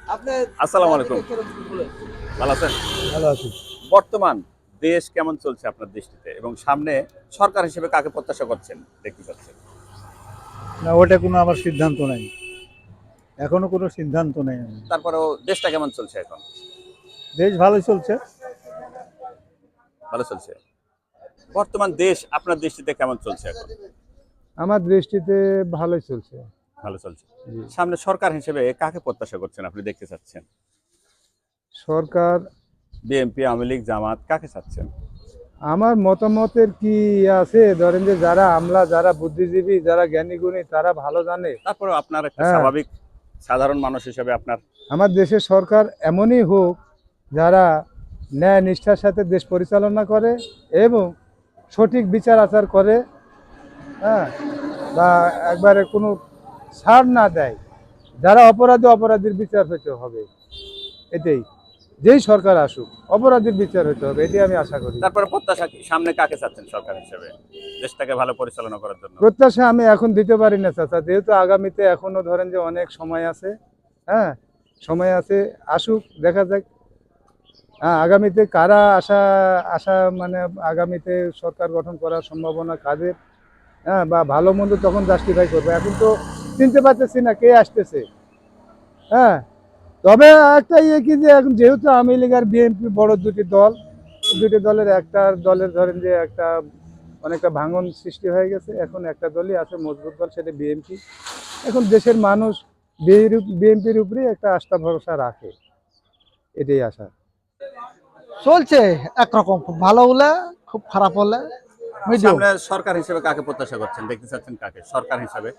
আসসালামু আলাইকুম। ভালো আছেন? ভালো আছি। বর্তমান দেশ কেমন চলছে আপনার দৃষ্টিতে এবং সামনে সরকার হিসেবে কাকে প্রত্যাশা করছেন দেখতে চাচ্ছেন? না ওটা কোনো আমার সিদ্ধান্ত নাই। এখনো কোনো সিদ্ধান্ত নেই আমি। তারপরেও দেশটা কেমন চলছে এখন? দেশ ভালোই চলছে। ভালো চলছে। বর্তমান দেশ আপনার দৃষ্টিতে কেমন চলছে এখন? আমার দৃষ্টিতে ভালোই চলছে। ভালো চলছে। জি। সামনে সরকার হিসেবে কাকে প্রত্যাশা করছেন আপনি দেখতে চাচ্ছেন? সরকার বিএনপি, আওয়ামী লীগ, জামাত কাকে চাচ্ছেন? আমার মতামতের কি আছে ধরেন যে যারা আমলা, যারা বুদ্ধিজীবী, যারা জ্ঞানী-গুণী তারা ভালো জানে। তারপরেও আপনার একটা হ্যাঁ, স্বাভাবিক সাধারণ মানুষ হিসেবে আপনার আমার দেশের সরকার এমনই হোক যারা ন্যায় নিষ্ঠার সাথে দেশ পরিচালনা করে এবং সঠিক বিচার আচার করে, হ্যাঁ, বা একবারে কোনো ছাড় না দেয়। যারা অপরাধী অপরাধীর বিচার হতে হবে, এটাই। যেই সরকার আসুক অপরাধীর বিচার হতে হবে, এটাই আমি আশা করি। তারপরে প্রত্যাশা কি? সামনে কাকে চাচ্ছেন সরকার হিসেবে দেশটাকে ভালো পরিচালনা করার জন্য? প্রত্যাশা আমি এখন দিতে পারি না চাচা, যেহেতু আগামীতে এখনো ধরেন যে অনেক সময় আছে। হ্যাঁ, সময় আছে, আসুক দেখা যাক। হ্যাঁ, আগামীতে কারা আশা আশা মানে আগামীতে সরকার গঠন করার সম্ভাবনা কাদের, হ্যাঁ, বা ভালো মন্দ তখন জাস্টিফাই করবে। এখন তো চিনতে পারতেছি না কে আসতেছে। হ্যাঁ, তবে একটা ইয়ে কি যে এখন যেহেতু আওয়ামী লীগ আর বিএনপি বড় দুটি দল, দুটি দলের একটা দলের ধরেন যে একটা অনেকটা ভাঙন সৃষ্টি হয়ে গেছে। এখন একটা দলই আছে মজবুত দল, সেটা বিএনপি। এখন দেশের মানুষ বিএনপির উপরেই একটা আস্থা ভরসা রাখে, এটাই আশা। চলছে একরকম, খুব ভালো হলে খুব খারাপ হলে মিডিয়াম। সামনে সরকার হিসেবে কাকে প্রত্যাশা করছেন দেখতে চাচ্ছেন কাকে সরকার হিসেবে?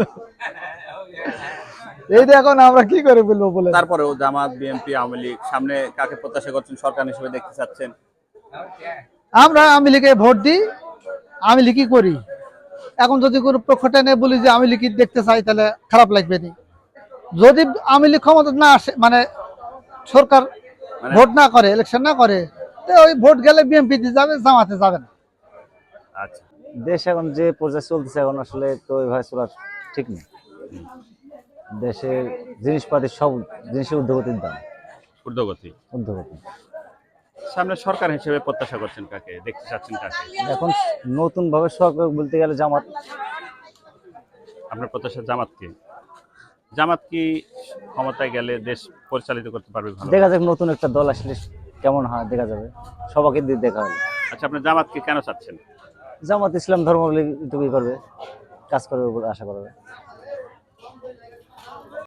এইটা এখন আমরা কি করে বলবো বলে। তারপরেও জামাত, বিএনপি, আওয়ামী লীগ সামনে কাকে প্রত্যাশা করছেন সরকার হিসেবে দেখতে চাচ্ছেন? আমরা আওয়ামী লীগে ভোট দিই, আওয়ামী লীগই করি। এখন যদি কোনো পক্ষটা নিয়ে বলি যে আওয়ামী লীগই দেখতে চাই তাহলে খারাপ লাগবে না। যদি আওয়ামী লীগ ক্ষমতা না আসে, মানে সরকার মানে ভোট না করে, ইলেকশন না করে, তো ওই ভোট গেলে বিএনপি যাবে, জামাতে যাবে না। আচ্ছা, দেশ এখন যে পর্যায়ে চলতেছে এখন আসলে তো ওইভাবে চলার ঠিক নেই। দেশের জিনিসপাতি সব জিনিসের ঊর্ধ্বগতির দাম, ঊর্ধ্বগতি। ঊর্ধ্বগতি। সামনে সরকার হিসেবে প্রত্যাশা করছেন কাকে দেখতে চাচ্ছেন কাকে? এখন নতুন ভাবে সরকার বলতে গেলে জামাত। আপনার প্রত্যাশা জামাত কি? জামাত কি ক্ষমতায় গেলে দেশ পরিচালিত করতে পারবে ভালো? দেখা যাক নতুন একটা দল আসলে কেমন হয় দেখা যাবে, সবাইকে দিয়ে দেখা হবে। আচ্ছা, আপনি জামাতকে কেন চাচ্ছেন? জামাত ইসলাম ধর্মাবলম্বী একটু ই করবে, কাজ করবে বলে আশা করবে।